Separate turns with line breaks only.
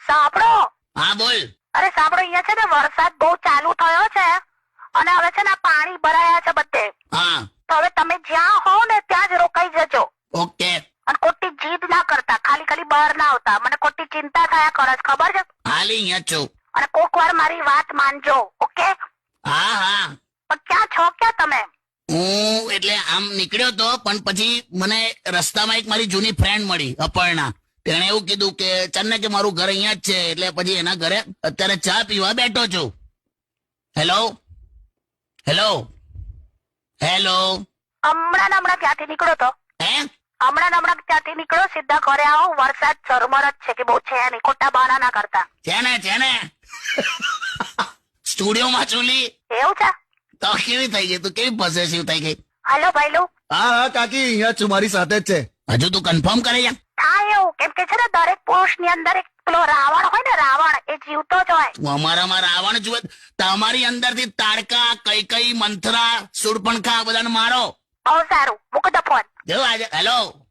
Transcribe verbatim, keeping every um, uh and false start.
સાંભળો.
હા બોલ.
અરે સાંભળો, અહીંયા છે ને વરસાદ બહુ ચાલુ થયો છે અને હવે છે ને આ પાણી ભરાયા છે બધે.
હા
તો હવે તમે જ્યાં હો ને ત્યાં જ રોકાઈ જજો.
ઓકે.
અને ખોટી જીદ ના કરતા, ખાલી ખાલી બહાર ના આવતા. મને ખોટી ચિંતા થયા કરે છે, ખબર છે?
હાલી અહીંયા જ છું.
અને કોક વાર મારી વાત માનજો. ઓકે?
હા હા.
પણ ક્યાં છો ક્યાં તમે?
હું એટલે આમ નીકળ્યો તો, પણ પછી મને રસ્તામાં એક મારી જૂની ફ્રેન્ડ મળી, અપર્ણા. તેણે એવું કીધું કે ચાલ ને કે મારું ઘર અહીંયા જ છે, એટલે પછી એના ઘરે અત્યારે ચા પીવા બેઠો છું. Hello hello hello.
હમણાં ને હમણાં ક્યાંથી નીકળો તો?
હે?
હમણાં ને હમણાં ક્યાંથી નીકળો? સીધા ઘરે આવો. વરસાદ ઝરમર જ છે કે બહુ છે નહીં. ખોટા બહાના ના કરતા.
છે ને છે ને સ્ટુડિયોમાં ચૂલી.
એવું છે?
તો કેવી થઈ ગઈ તું? કેવી પોઝેસિવ થઈ ગઈ?
હાલો ભાઈલું.
હા હા કાકી, અહીંયા જ છું, મારી સાથે જ છે.
હજુ તું કન્ફર્મ કરે છે?
હા એવું. કેમ કે છે ને દરેક પુરુષ ની અંદર એક પેલો રાવણ હોય ને, રાવણ, એ જીવતો જ હોય.
અમારામાં રાવણ જુએ. તમારી અંદરથી તાડકા, કૈકઈ, મંથરા, શૂર્પણખા બધાને મારો.
બહુ સારું. મૂકો તો ફોન.
જો આજે હેલો